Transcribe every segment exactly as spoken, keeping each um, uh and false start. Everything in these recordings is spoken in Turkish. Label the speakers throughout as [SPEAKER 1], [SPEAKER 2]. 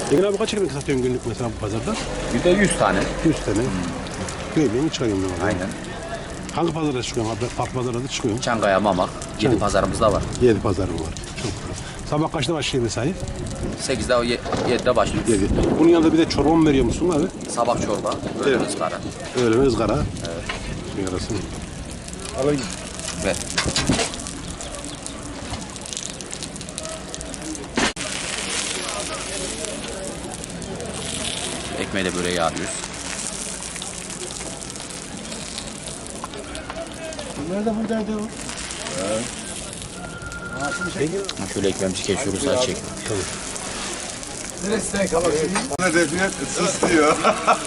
[SPEAKER 1] Engin abi kaç ekmek satıyorsun günlük mesela bu pazarda?
[SPEAKER 2] Bir de yüz tane.
[SPEAKER 1] yüz tane. Köylerini çıkarıyorum ben. o zaman.
[SPEAKER 2] Aynen.
[SPEAKER 1] Hangi pazara çıkıyorsun abi? Park pazarına da çıkıyorum.
[SPEAKER 2] Çankaya, Mamak. Yedi pazarımızda var.
[SPEAKER 1] Yedi pazarım var. Çok güzel. Sabah kaçta başlıyor mesai?
[SPEAKER 2] sekizde, yedide başlıyoruz.
[SPEAKER 1] Yedi. Bunun yanında bir de çorba mı veriyor musun abi?
[SPEAKER 2] Sabah çorba, öğlen ızgara.
[SPEAKER 1] Öğlen ızgara. Evet. Şey arasın. Alayım.
[SPEAKER 2] Ve ekmeği de böyle yağlıyoruz.
[SPEAKER 1] Nerede bu derdi o?
[SPEAKER 2] Şöyle ekmeğimizi kesiyoruz, saç çek.
[SPEAKER 3] Ne defiyet? Sus diyor.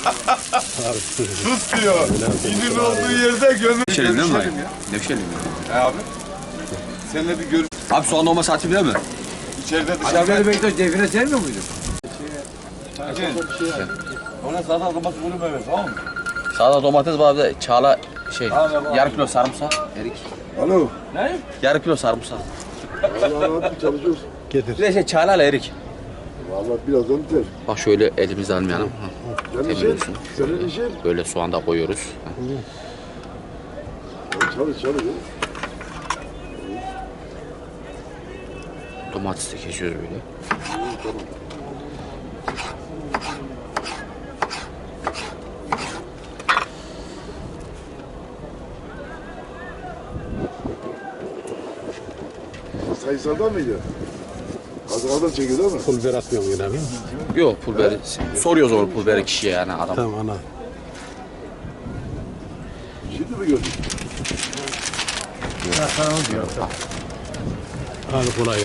[SPEAKER 3] Sus diyor. İnin olduğu yerde gönül.
[SPEAKER 2] Nevşehir'in değil mi?
[SPEAKER 3] Görüşelim ya.
[SPEAKER 2] Nevşehir'in mi?
[SPEAKER 3] He abi. Seninle bir görüş.
[SPEAKER 2] Abi soğan olma saati bilir mi?
[SPEAKER 3] İçeride dışarıda.
[SPEAKER 4] Adamları Bektaş devine sevmiyor muydun?
[SPEAKER 3] Ona zaten kafası bunu evet tamam mı?
[SPEAKER 2] Sağda domates var, bir de çağla şey, yarım kilo sarımsak, erik.
[SPEAKER 3] Alo.
[SPEAKER 2] Yarım kilo sarımsak.
[SPEAKER 3] Vallahi abi çalışıyoruz.
[SPEAKER 1] Getir.
[SPEAKER 2] Bir de şey çağla ile erik.
[SPEAKER 3] Vallahi birazdan biter.
[SPEAKER 2] Bak şöyle elimizle almayalım.
[SPEAKER 3] Senin işin.
[SPEAKER 2] Temizlesin.
[SPEAKER 3] Senin işin.
[SPEAKER 2] Böyle soğan da koyuyoruz.
[SPEAKER 3] Çalış çalış.
[SPEAKER 2] Domatesi de kesiyoruz böyle.
[SPEAKER 3] Sayısaldan mıydı? Hazırlardan çekiyor değil mi?
[SPEAKER 1] Pul biber atmıyorum yine abi.
[SPEAKER 2] Yok pul biberi. Soruyoruz o pul biberi kişiye yani adam.
[SPEAKER 1] Tamam ana.
[SPEAKER 3] Şimdi mi gördün?
[SPEAKER 1] Hadi kolay.